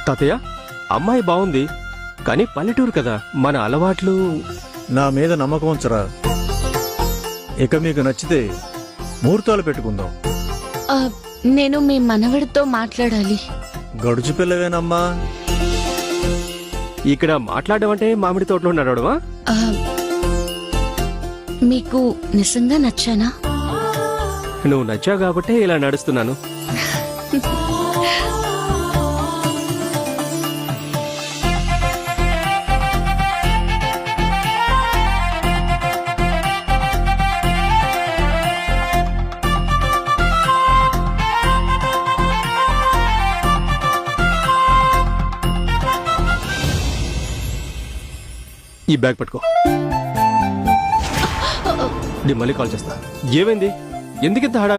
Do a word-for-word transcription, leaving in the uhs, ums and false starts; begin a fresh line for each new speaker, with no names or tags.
తాతయ్య, అమ్మాయి బాగుంది, కానీ పల్లెటూరు కదా, మన అలవాట్లు.
నా మీద నమ్మకం ఉంచరా. ఇక మీకు నచ్చితే ముహూర్తాలు పెట్టుకుందాం.
ఆ, నేను మీ మనవడితో మాట్లాడాలి.
గడుచు పిల్లవేనమ్మా.
ఇక్కడ మాట్లాడడం అంటే మామిడి తోటలో నడవడమా?
ఆ, మీకు నిజంగా నచ్చానా?
నువ్వు నచ్చావు కాబట్టే ఇలా నడుస్తున్నాను. ఈ బ్యాగ్ పట్టుకో. నేను మళ్ళీ కాల్ చేస్తా. ఏమైంది? ఎందుకింత హడా